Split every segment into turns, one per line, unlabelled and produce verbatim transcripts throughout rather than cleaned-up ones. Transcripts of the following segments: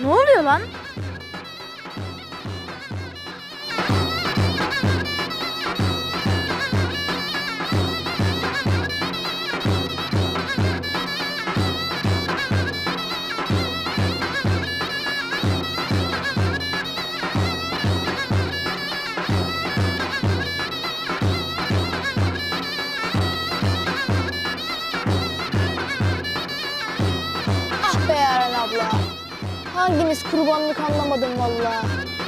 Ne oluyor lan?
Ah be Yaren abla. Hanginiz kurbanlık anlamadım vallahi.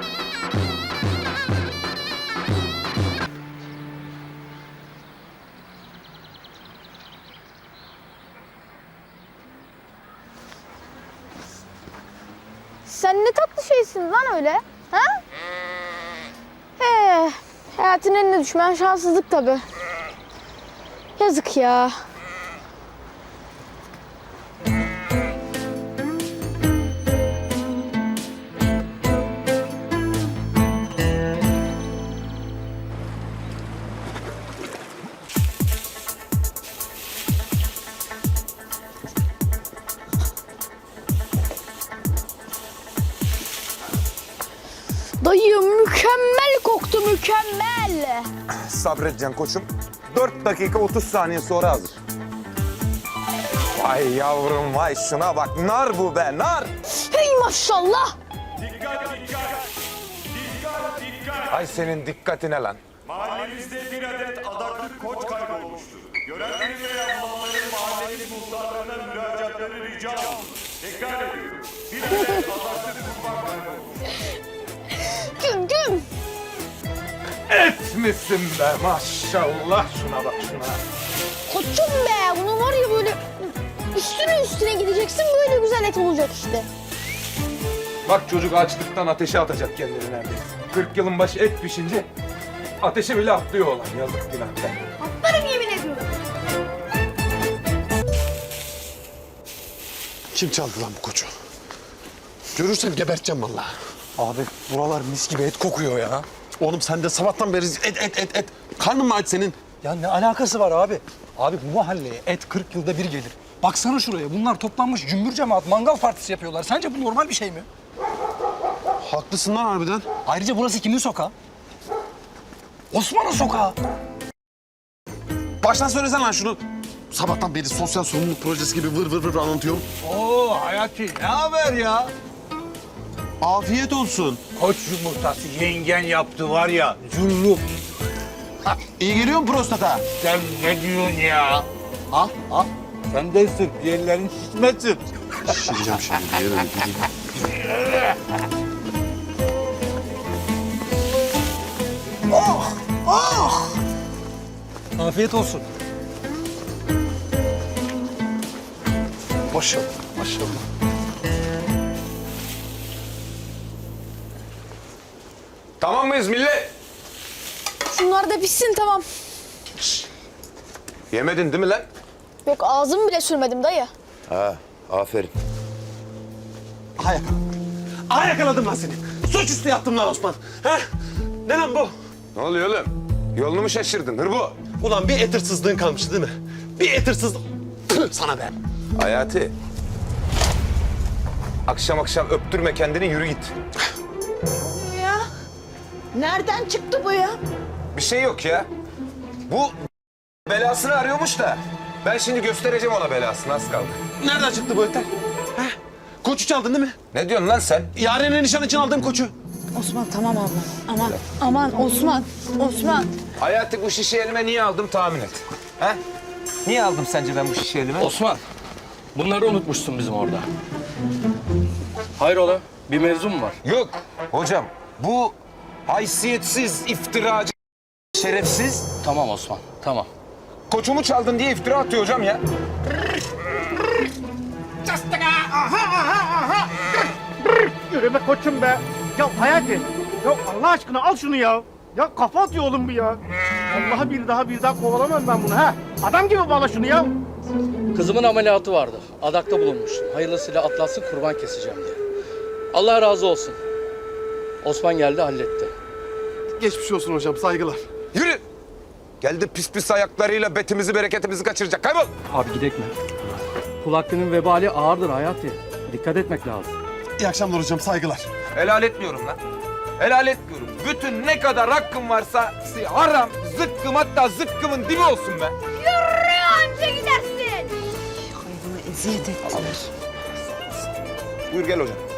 Sen ne tatlı şeysin lan öyle, ha? He, hayatın eline düşmeyen şanssızlık tabii. Yazık ya. Dayı mükemmel koktu, mükemmel.
Sabredeceksin koçum. Dört dakika otuz saniye sonra hazır. Vay yavrum vay şuna bak. Nar bu be nar.
Hey maşallah.
Ay senin dikkatine lan.
Mahallemizde bir adet adaklı koç kaybolmuştur. Görenlerin ve yapmaların mahallemiz muhtarlarına müracaatları rica olunur. Tekrar ediyorum. Bir adet adaklı kurban kaybolmuştur.
Güm güm.
Et misin be maşallah şuna bak şuna.
Koçum be. Bunun var ya böyle üstüne üstüne gideceksin. Böyle güzel et olacak işte.
Bak çocuk açlıktan ateşe atacak kendini neredeyse. Kırk yılın başı et pişince ateşe bile atlıyor olan yazık günah be.
Atlarım yemin ediyorum.
Kim çaldı lan bu koçu? Görürsem geberteceğim vallahi.
Abi buralar mis gibi et kokuyor ya.
Oğlum sen de sabahtan beri et et et et. Karnın mı aç senin?
Ya ne alakası var abi? Abi bu mahalleye et kırk yılda bir gelir. Baksana şuraya, bunlar toplanmış cümbür cemaat mangal partisi yapıyorlar. Sence bu normal bir şey mi?
Haklısın lan harbiden.
Ayrıca burası kimin sokağı? Osman'ın sokağı.
Baştan söylesen lan şunu. Sabahtan beri sosyal sorumluluk projesi gibi vır vır vır anlatıyorum.
Oo Hayati, ne haber ya?
Afiyet olsun.
Koç yumurtası yengen yaptı var ya, zulluk.
İyi geliyor mu prostata?
Sen ne diyorsun ya? Ha ha. Sen de sık, diğerlerin şişmesin.
Şişireceğim şimdi. Yerim.
Afiyet olsun. Maşallah, maşallah.
Tamam mıyız millet?
Şunlar da pişsin tamam.
Yemedin değil mi lan?
Yok ağzımı bile sürmedim dayı.
Ha aferin.
Aha yakaladım. Aha yakaladım lan seni. Suçüstü yaptım lan Osman. He? Ne lan bu?
Ne oluyor oğlum? Yolunu mu şaşırdın hırbo?
Ulan bir et hırsızlığın kalmıştı değil mi? Bir et hırsızlığı. Tüh, sana be.
Hayati. Akşam akşam öptürme kendini yürü git.
Ya nereden çıktı bu ya?
Bir şey yok ya. Bu belasını arıyormuş da. Ben şimdi göstereceğim ona belasını az kaldı.
Nereden çıktı bu etler? He? Koçu çaldın değil mi?
Ne diyorsun lan sen?
Yaren'e nişan için aldığım koçu.
Osman tamam abla.
Aman aman Osman. Osman.
Hayati bu şişe elime niye aldım tahmin et. Ha? Niye aldım sence ben bu şişe elime?
Osman, bunları unutmuşsun bizim orada. Hayrola, bir mevzu mu var?
Yok hocam bu haysiyetsiz, iftiracı, şerefsiz
Tamam Osman, tamam.
koçumu çaldın diye iftira atıyor hocam ya.
Yürü be koçum be. Ya Hayati, ya Allah aşkına al şunu ya. Ya kafa atıyor oğlum bu ya. Allah'a bir daha bir daha kovalamam ben bunu ha. Adam gibi bağla şunu ya.
Kızımın ameliyatı vardı. Adakta bulunmuştum. Hayırlısıyla atlatsın, kurban keseceğim diye. Allah razı olsun. Osman geldi, halletti.
Geçmiş olsun hocam, saygılar.
Yürü. Geldi pis pis ayaklarıyla betimizi bereketimizi kaçıracak. Kaybol.
Abi gidek mi? Kul hakkının vebali ağırdır Hayati. Dikkat etmek lazım.
İyi akşamlar hocam, saygılar.
Helal etmiyorum lan. Helal etmiyorum. Bütün ne kadar hakkım varsa haram, zıkkım, hatta zıkkımın dibi olsun be.
Yürü anca gidersin.
Hayvana eziyet ettiler.
Buyur gel hocam.